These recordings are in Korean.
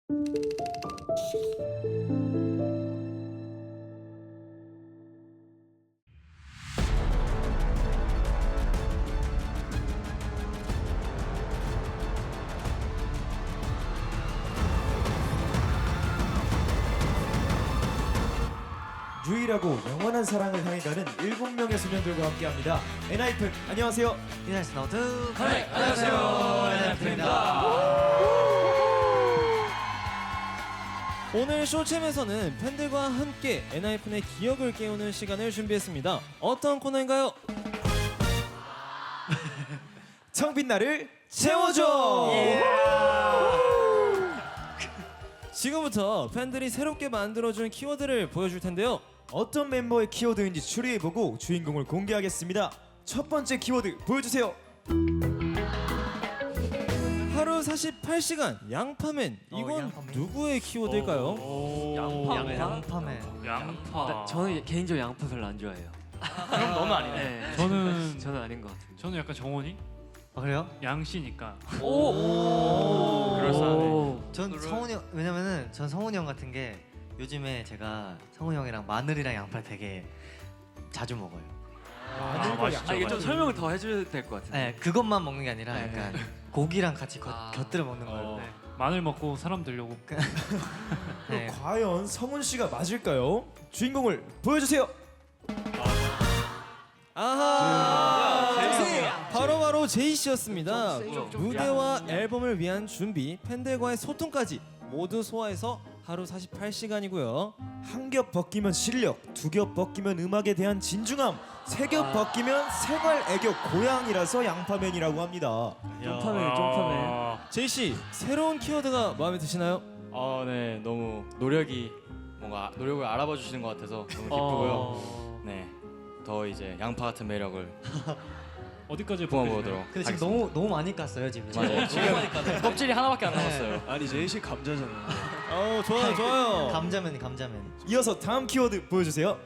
유일하고 영원한 사랑을 향해 가는 7명의 소년들과 함께합니다. 엔하이픈 안녕하세요. 이나이스 나우트 안녕하세요. 엔하이픈입니다. 오늘 쇼챔에서는 팬들과 함께 엔하이픈의 기억을 깨우는 시간을 준비했습니다. 어떤 코너인가요? 청빈 나를 채워줘. 지금부터 팬들이 새롭게 만들어준 키워드를 보여줄 텐데요. 어떤 멤버의 키워드인지 추리해보고 주인공을 공개하겠습니다. 첫 번째 키워드 보여주세요. 하루 48시간 양파맨. 이건 양파맨. 누구의 키워드일까요? 양파맨. 양파. 저는 개인적으로 양파 별로 안 좋아해요. 그럼 너는 아니네. 네. 저는 아닌 것 같은데. 저는 약간 정원이 아 그래요? 양씨니까. 오. 그럴싸하네. 전 성훈이 형, 왜냐면은 전 성훈이 형 같은 게 요즘에 제가 성훈이 형이랑 마늘이랑 양파를 되게 자주 먹어요. 맛있죠. 이게 좀 설명을 더 해줘야 될 것 같은데. 네, 그것만 먹는 게 아니라 약간 고기랑 같이 곁들여 먹는 거예요. 어, 마늘 먹고 사람 되려고. 네. 과연 성훈 씨가 맞을까요? 주인공을 보여주세요. 아하! 바로 제이 씨였습니다. 무대와 앨범을 위한 준비, 팬들과의 소통까지 모두 소화해서 하루 48시간이고요. 한 겹 벗기면 실력, 두 겹 벗기면 음악에 대한 진중함, 세 겹 벗기면 생활 애교 고양이라서 양파맨이라고 합니다. 쫑파맨. 제이 씨, 새로운 키워드가 마음에 드시나요? 네, 너무 노력을 알아봐 주시는 것 같아서 너무 기쁘고요. 네, 더 이제 양파 같은 매력을 어디까지 뿜어보도록. 근데 지금 하겠습니다. 너무 많이 깠어요 지금. 맞아요. 지금 껍질이 하나밖에 안 남았어요. 아니 제이 씨 감자잖아요. 좋아요. 감자면. 이어서 다음 키워드 보여주세요.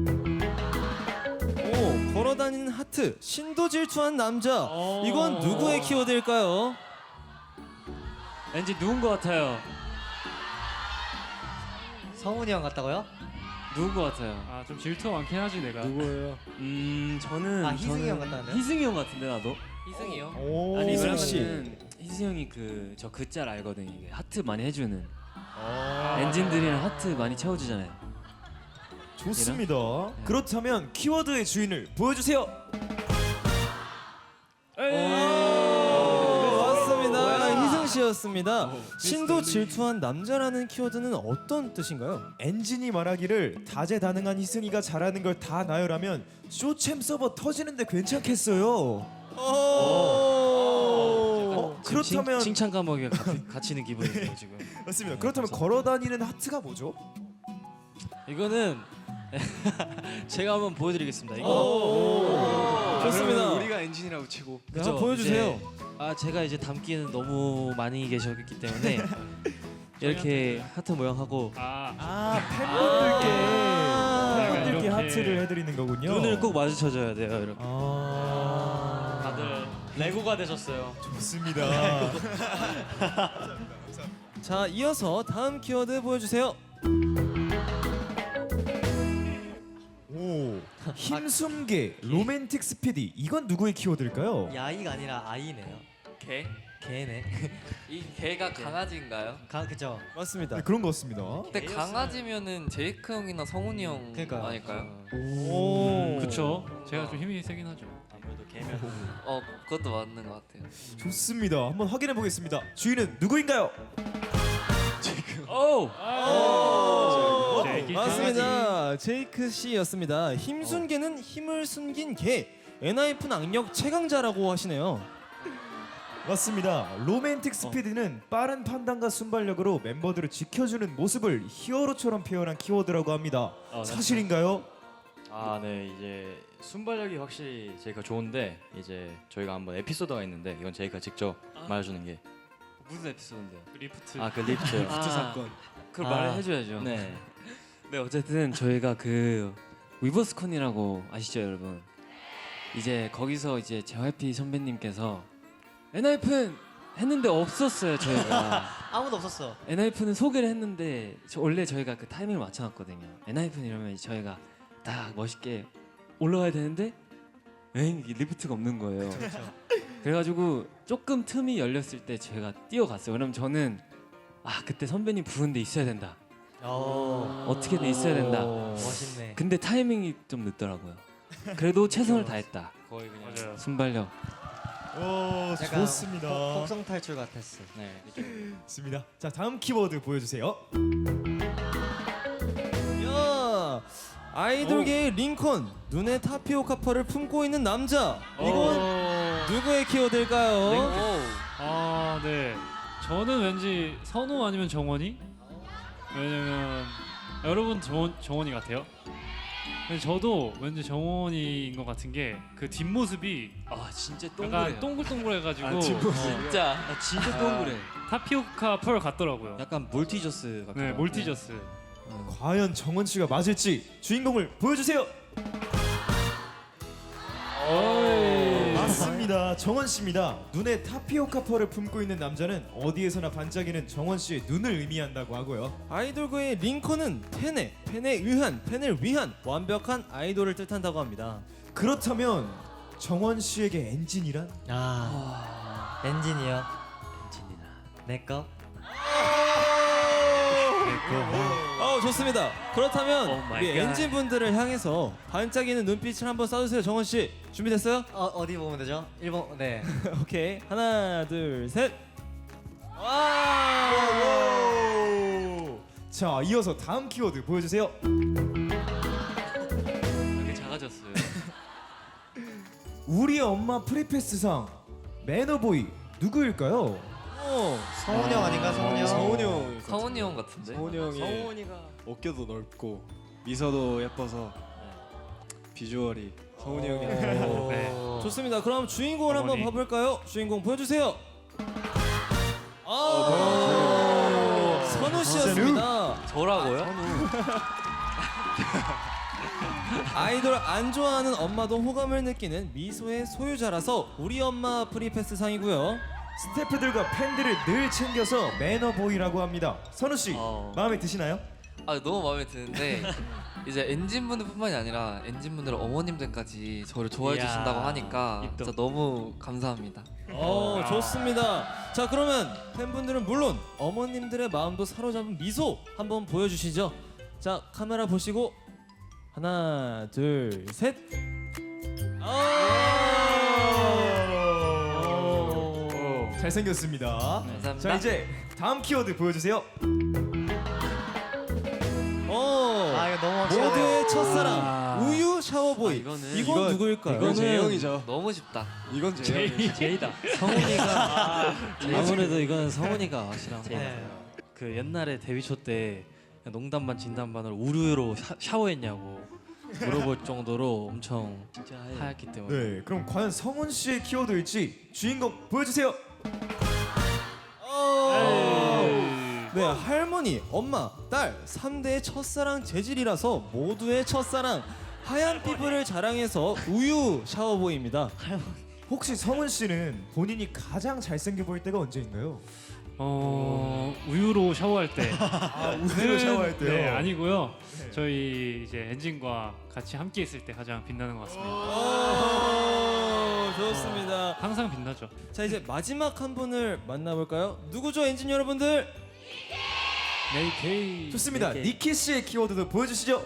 오, 걸어다니는 하트, 신도 질투한 남자. 이건 누구의 키워드일까요? 왠지 누군 것 같아요. 성훈이 형 같다고요? 누군 것 같아요. 좀 질투가 많긴 하지 내가. 누구예요? 저는 희승이 형 같다는데요? 희승이 형 같은데 나도. 희승이 형? 오, 아니 희승 씨. 왜냐면은 희승이 형이 저 짤 알거든요. 이게 하트 많이 해주는. 엔진들이랑 하트 많이 채워주잖아요. 좋습니다. 그렇다면 키워드의 주인을 보여주세요. 맞습니다. 희승 씨였습니다. 신도 질투한 남자라는 키워드는 어떤 뜻인가요? 엔진이 말하기를 다재다능한 희승이가 잘하는 걸 다 나열하면 쇼챔 서버 터지는데 괜찮겠어요. 그렇다면 칭찬 감옥에 갇히는 기분이에요 지금. 맞습니다. 그렇다면 걸어다니는 하트가 뭐죠? 이거는 제가 한번 보여드리겠습니다. 이거 좋습니다. 그러면 우리가 엔진이라고 치고. 네, 한번 보여주세요. 제가 이제 담기에는 너무 많이 계셨기 때문에 이렇게 하트 모양하고 팬분들께 이렇게. 하트를 해드리는 거군요. 눈을 꼭 마주쳐줘야 돼요. 이렇게. 다들 레고가 되셨어요. 좋습니다. 자, 이어서 다음 키워드 보여주세요. 오, 힘숨개, 로맨틱 스피디. 이건 누구의 키워드일까요? 야이가 아니라 아이네요. 개? 개네. 이 개가 강아지인가요? 그죠. 맞습니다. 네, 그런 것 같습니다. 근데 강아지면은 제이크 형이나 성훈이 형 그러니까요. 아닐까요? 오, 그쵸. 제가 좀 힘이 세긴 하죠. 아무래도 개면 그것도 맞는 것 같아요. 좋습니다. 한번 확인해 보겠습니다. 주인은 누구인가요? 제이크 맞습니다. 제이크 씨였습니다. 힘순개는 힘을 숨긴 개. 엔하이픈 악력 최강자라고 하시네요. 맞습니다. 로맨틱 스피드는 빠른 판단과 순발력으로 멤버들을 지켜주는 모습을 히어로처럼 표현한 키워드라고 합니다. 사실인가요? 네, 이제 순발력이 확실히 제이가 좋은데 이제 저희가 한번 에피소드가 있는데 이건 제이가 직접 말해주는 게 무슨 에피소드인데요? 리프트. 그 리프트요. 리프트 사건. 그걸 말을 해줘야죠. 네. 네, 어쨌든 저희가 위버스콘이라고 아시죠, 여러분? 이제 거기서 이제 JYP 선배님께서 엔하이픈 했는데 없었어요 저희가. 아무도 없었어. 엔하이픈은 소개를 했는데 원래 저희가 그 타이밍을 맞춰놨거든요. 엔하이픈 이러면 저희가 딱 멋있게 올라가야 되는데 이게 리프트가 없는 거예요. 그래가지고 조금 틈이 열렸을 때 제가 뛰어갔어요. 왜냐면 저는 그때 선배님 부른데 있어야 된다. 어떻게든 있어야 된다. 멋있네. 근데 타이밍이 좀 늦더라고요. 그래도 최선을 다했다. 거의 그냥 맞아요. 순발력. 오, 약간 좋습니다. 폭성 탈출 같았어. 네. 좋습니다. 자, 다음 키워드 보여주세요. 야, 아이돌계의 링컨, 눈에 타피오카 펄을 품고 있는 남자. 이건 누구의 키워드일까요? 아, 네. 저는 왠지 선우 아니면 정원이? 왜냐면 여러분 정원이 같아요. 근데 저도 왠지 정원이인 것 같은 게 그 뒷모습이 진짜 약간 동글동글해가지고 진짜 진짜 동그래. 타피오카 펄 같더라고요. 약간 몰티저스 같은 네, 거. 몰티저스. 과연 정원 씨가 맞을지 주인공을 보여주세요. 맞습니다. 정원 씨입니다. 눈에 타피오카 펄을 품고 있는 남자는 어디에서나 반짝이는 정원 씨의 눈을 의미한다고 하고요. 아이돌계의 링컨은 팬에 의한, 팬을 위한 완벽한 아이돌을 뜻한다고 합니다. 그렇다면 정원 씨에게 엔진이란? 엔진이요. 내 거. 좋습니다. 그렇다면 Oh my 우리 God. 엔진 분들을 향해서 반짝이는 눈빛을 한번 쏴주세요. 정원 씨 준비됐어요? 어디 보면 되죠? 1번. 네. 오케이. 하나, 둘, 셋. 오! 자, 이어서 다음 키워드 보여주세요. 되게 작아졌어요. 우리 엄마 프리패스상 매너보이 누구일까요? 성훈이 형 아닌가? 성훈이 형. 성훈이 형. 성훈이 형 같은데. 성훈이 형이 어깨도 넓고 미소도 예뻐서 비주얼이 성훈이 형이. 네. 좋습니다. 그럼 주인공을 한번 어머니. 봐볼까요? 주인공 보여주세요. 선우 씨였습니다. 저라고요? 아이돌 안 좋아하는 엄마도 호감을 느끼는 미소의 소유자라서 우리 엄마 프리패스 상이고요. 스태프들과 팬들을 늘 챙겨서 매너보이라고 합니다. 선우 씨 마음에 드시나요? 너무 마음에 드는데 이제 엔진분들뿐만이 아니라 엔진분들 어머님들까지 저를 좋아해 이야, 주신다고 하니까 입덕. 진짜 너무 감사합니다. 좋습니다. 자, 그러면 팬분들은 물론 어머님들의 마음도 사로잡은 미소 한번 보여주시죠. 자, 카메라 보시고 하나, 둘, 셋. 잘생겼습니다. 감사합니다. 자, 이제 다음 키워드 보여주세요. 이거 너무 확실하네. 모두의 첫사랑 우유 샤워보이. 이거는- 이건 누구일까요? 이건 재영이죠. 너무 쉽다. 이건 재영이. 제이다. 성훈이가 아무래도 이건 성훈이가 확실한 거 네. 같아요. 그 옛날에 데뷔 초 때 농담반 진담반으로 우유로 샤워했냐고 물어볼 정도로 엄청 하얗기 때문에. 네, 그럼 과연 성훈 씨의 키워드일지 주인공 보여주세요. 네, 할머니, 엄마, 딸 3대의 첫사랑 재질이라서 모두의 첫사랑 하얀 피부를 자랑해서 우유 샤워보이입니다. 혹시 성훈 씨는 본인이 가장 잘생겨 보일 때가 언제인가요? 우유로 샤워할 때. 우유로 샤워할 때요? 네, 아니고요. 저희 이제 엔진과 같이 함께 있을 때 가장 빛나는 것 같습니다. 좋습니다. 항상 빛나죠. 자, 이제 마지막 한 분을 만나볼까요? 누구죠, 엔진 여러분들? 네이케이. 좋습니다. 니키 씨의 키워드도 보여주시죠.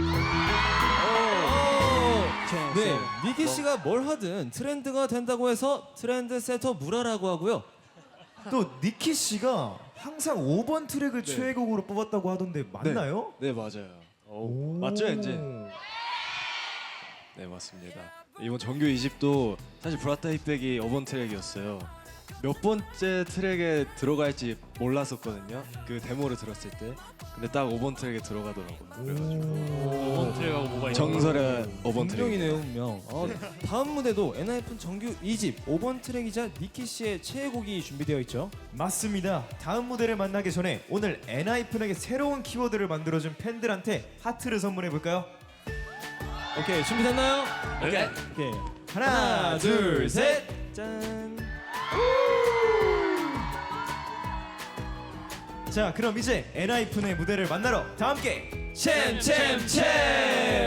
네, 니키 씨가 뭘 하든 트렌드가 된다고 해서 트렌드 세터 무라라고 하고요. 또 니키 씨가 항상 5번 트랙을 최애곡으로 뽑았다고 하던데 맞나요? 네 맞아요. 오. 맞죠, 엔진? 네 맞습니다. 이번 정규 2집도 사실 브라타 힙백이 5번 트랙이었어요. 몇 번째 트랙에 들어갈지 몰랐었거든요. 그 데모를 들었을 때. 근데 딱 5번 트랙에 들어가더라고요. 그래가지고 5번 트랙하고 뭐가 있는 정설의 5번 트랙. 운명이네요, 운명. 다음 무대도 엔하이픈 정규 2집 5번 트랙이자 니키 씨의 최애곡이 준비되어 있죠. 맞습니다. 다음 무대를 만나기 전에 오늘 엔하이픈에게 새로운 키워드를 만들어준 팬들한테 하트를 선물해 볼까요? 오케이, 준비됐나요? 네. 오케이. 하나, 둘, 셋. 짠. 자, 그럼 이제 엔하이픈의 무대를 만나러 다 함께 챔챔챔!